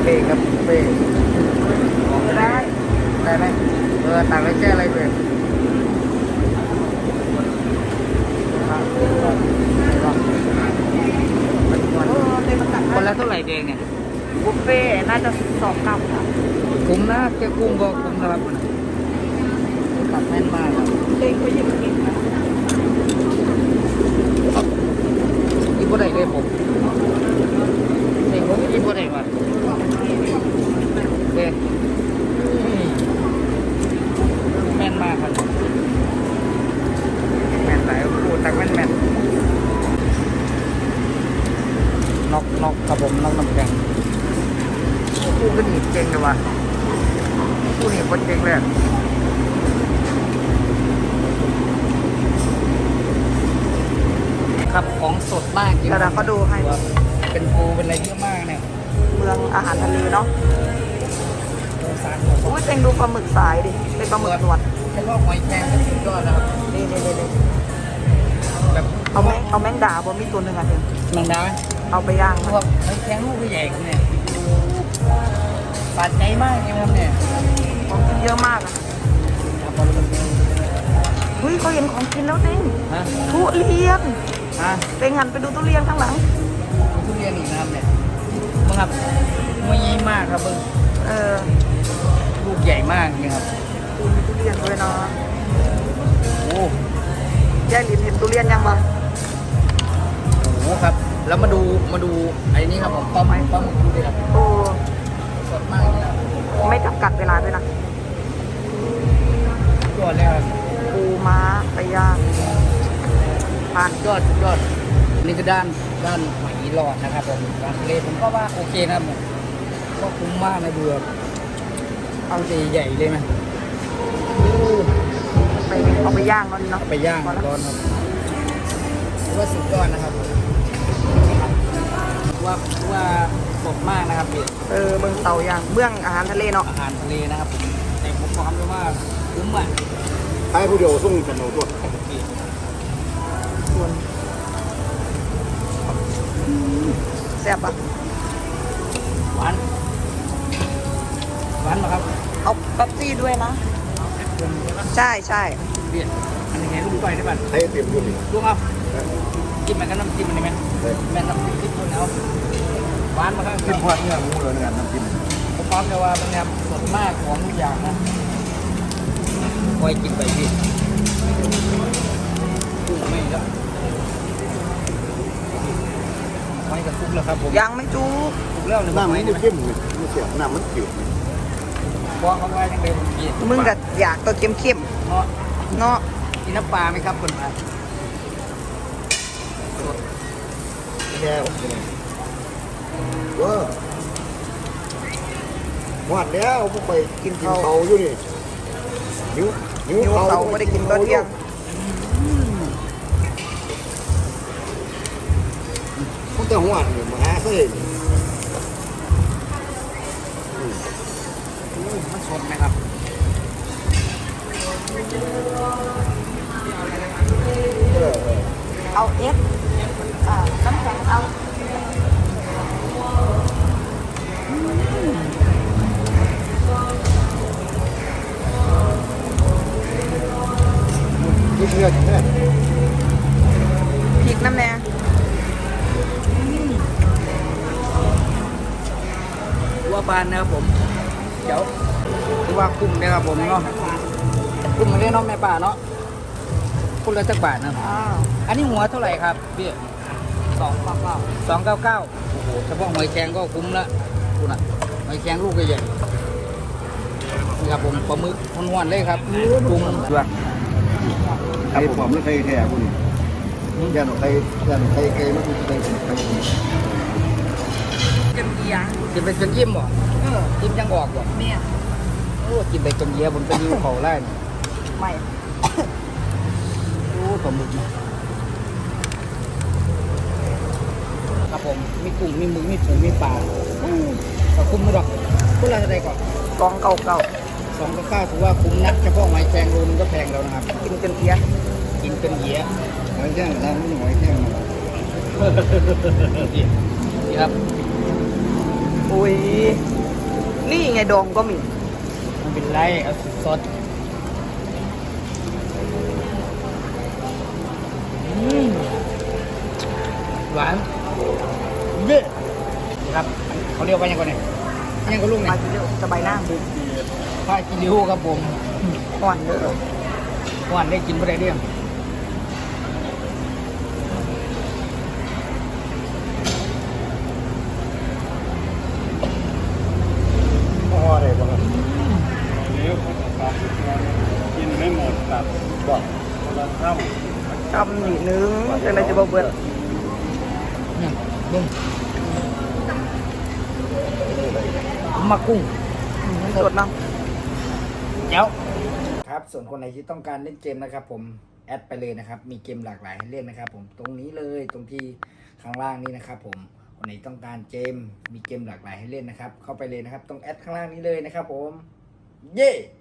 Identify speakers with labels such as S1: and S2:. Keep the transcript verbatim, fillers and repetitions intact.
S1: ฟ่ครับบุฟเฟ่ได้ได้ไหมเออต่างกันแค่อะไรเพื่อนคนละเท่าไหร่เองเนี่ย
S2: บุฟเฟ่น่าจะสองกรัมค่ะ
S1: คุ้มนะแกกุ้งก็คุ้มนะครับตัดแน่นมากครับ
S2: เองก็หยิบกินนะ
S1: กินบ่ได้เลยผมเองผมกินบ่ได้ว่ะเด็กแม่นมากครับแม่นหลายพูดตักแม่นแม่นนอกนอกครับผมนอกน้ำแข็งคู่ก็หนีเก่งเลยว่ะคู่นี้คนเก่งเลยครับของสดมากจริง
S2: เดี๋ยวเขาดูให้
S1: เป็นปูเป็นอะไรเยอะมากเนี่ย
S2: เมืองอาหารทะเลเนาะ
S1: ปูซานหัว
S2: อุ้ยเต็งดูปลาหมึกสายดิเป็นปลาหมึกหนวด
S1: แล้วก็หอยแครงก็สุดยอดนะครับ
S2: นี่นี่นี่
S1: แบบ
S2: เอาแมงเอาแมงดาบ่มีตัวหนึ่งอ่ะเอง
S1: แมงดา
S2: เอาไปย่าง
S1: พวกหอยแครงลูกใหญ่ๆเนี่ยปาดใจมากเลยครับเนี่ย
S2: ของกินเยอะมากอ่ะ
S1: ครับผม
S2: เฮ้ยเขาเห็นของกินแล้วเต็ง
S1: ฮะ
S2: ทุเรียน
S1: ฮะ
S2: เต็งหันไปดูทุเรียนข้างหลัง
S1: ทุเรียนอีกนะครับเนี่ยมึงครับไม่ใหญ่มากครับมึง
S2: เออ
S1: ลูกใหญ่มากนี่ครับ
S2: ดูมีทุเรียนด้วยเนาะ
S1: โอ้
S2: ยายลินเห็นทุเรียนยังบ่
S1: โหครับ แล้วมาดูมาดูไอ้นี่ครับผมปลาหมึกปลาหมึกดูดิครับ
S2: โอ้
S1: สดมากเลยครับ
S2: ไม่จำกัดเวลาด้วยนะ
S1: ยอดเลยครับ
S2: ปูม้าไปย่างทาน
S1: ยอดยอดนี่ก็ด้านด้านหอยหลอดนะครับผมด้านทะเลผมก็ว่าโอเคนะครับผมก็คุ้มมากนะดูครับเอาใจใหญ่เลยไหม
S2: ไปเอาไปย่างเนาะนี่เนาะ
S1: เอาไปย่าง
S2: พอแล้ว
S1: ร้อนครับถือว่าสุดยอดนะครับว่าว่าสดมากนะครับพี่
S2: เออเบื้องเตาย่างเบื้องอาหารทะเลเนาะ
S1: อาหารทะเลนะครับผมแต่ผมบอกคำเลยว่าคุ้มอ่ะ
S3: ให้ผู้เดียวส่งกันเอาตัว
S2: ส่วนแซ่บปะ
S1: หวานหวานไหมครับ
S2: เอาแป๊บซี่ด้วยนะ ใช่ใช่
S1: เบียดอันนี้ไงลูกไปได้ป่ะ
S3: ให้เตรียมอยู่นี่
S1: ลูกเอากินมันก็น้ำจิ้มมันได้ไหมแม่น้ำจิ้มที่คุณเอาหวานมาครับ
S3: กินพอดเนี่ยหมูเลยเนี่ยน้ำจิ้ม
S1: ผมพร้อมเลยว่าเป็นแนวสดมากของทุกอย่างนะคอยกินไปพี่กุ้งไม่แล้วไม่กับกุ้งแล้วครับผม
S2: ยังไม่จุก
S1: กุ้งแล้วหรือ
S3: น้ำ
S1: ไม่
S3: มันเข้มเลยมันเสียน้ำมันจืด
S1: บอกเขาไว้ยังไงผมกิน
S2: มึงก็อยากตัวเข้มเข้ม
S1: เนาะ
S2: ๆเนาะ
S1: กินน้ำปลาไหมครับคนมา
S3: แก้วว้าหวานแล้วพวกไปกินกินเขาอยู่นี่หิวหิว
S2: หิวเขาไม่ได้กินตอนเที่ยง
S3: พวกแต่หวานเนี่ยมาหาเส้น
S1: มันสดไหมครับ
S2: เอาเอฟอ่าน้ำแข็งเอา
S3: นี่เชื่อจังเลย
S2: พริกน้ำแน่
S1: ตัวปลานะครับผมเดี๋ยวตัวกุ้งนะครับผมเนาะกุ้งมันเรียกน้องแม่ป่าเนาะกุ้งละสักบาทนะ
S2: อ้าว
S1: อันนี้หัวเท่าไหร่ครับพี่สองเก้าเก้าสองเก้าเก้าโอ้โหเฉพาะหอยแครงก็คุ้มละคุณอ่ะหอยแครงลูกใหญ่ๆนี่ครับผมปลาหมึกห้วนๆเลยครับปรุงด้วย
S3: ไอ้ผมไม่เคยแท้พวกนี้ยันใครยันใครใครมาดูใครใคร
S2: เจียมเกีย
S1: กินไปจนยิ้มบ่
S2: เออ
S1: ยิ้มยังออกบ่
S2: เนี่ย
S1: โอ้กินไปจนเยียผมเป็นยิ้วเขาไล่นี่
S2: ไม่
S1: โอ้ปลาหมึกนี่ครับผมมีกุ้งมีหมึกมีปูมีปลาก็คุ้มไม่ดอกคุณละเท่าไหร่ก่อน
S2: กองเก่าเก่า
S1: สองกับข้าวถือว่าคุ้มนะเฉพาะหอยแครงโลนึงก็แพงแล้วนะครับ
S2: ๆกินจนเพี้ย
S1: กินเป็นเหยีย
S3: หอยแข้งน้ำมันหอยแข้ง
S1: นี่ครับ
S2: โอ้ยนี่ไงดองก็มี
S1: มันเป็นไรเอาสดอืมหวานเยอะครับเขาเรียกว่ายังไงเนี่ยยังก็ลูก
S2: มา
S1: เนี่ย
S2: ทีเดียวสบายนั่ง
S1: ผ้ากิริ้วครับผม
S2: อ่อนเด้อ
S1: หวานได้กินไม่ได้เรื่อง
S3: พ่ออะไรบ้าง
S4: เดี๋ยวเขาจะตัดกินไม่หมดตัด
S3: บอก
S4: คนละเท่าก
S2: ำหนีนึงจะอะไรจะบ่เบิด
S1: เนี่ยลุงผมมากุ้ง
S2: อืมมันสดเนาะ
S1: เดี๋ยวครับส่วนคนไหนที่ต้องการเล่นเกมนะครับผมแอดไปเลยนะครับมีเกมหลากหลายให้เล่นนะครับผมตรงนี้เลยตรงที่ข้างล่างนี้นะครับผมคนไหนต้องการเกมมีเกมหลากหลายให้เล่นนะครับเข้าไปเลยนะครับตรงแอดข้างล่างนี้เลยนะครับผมเย้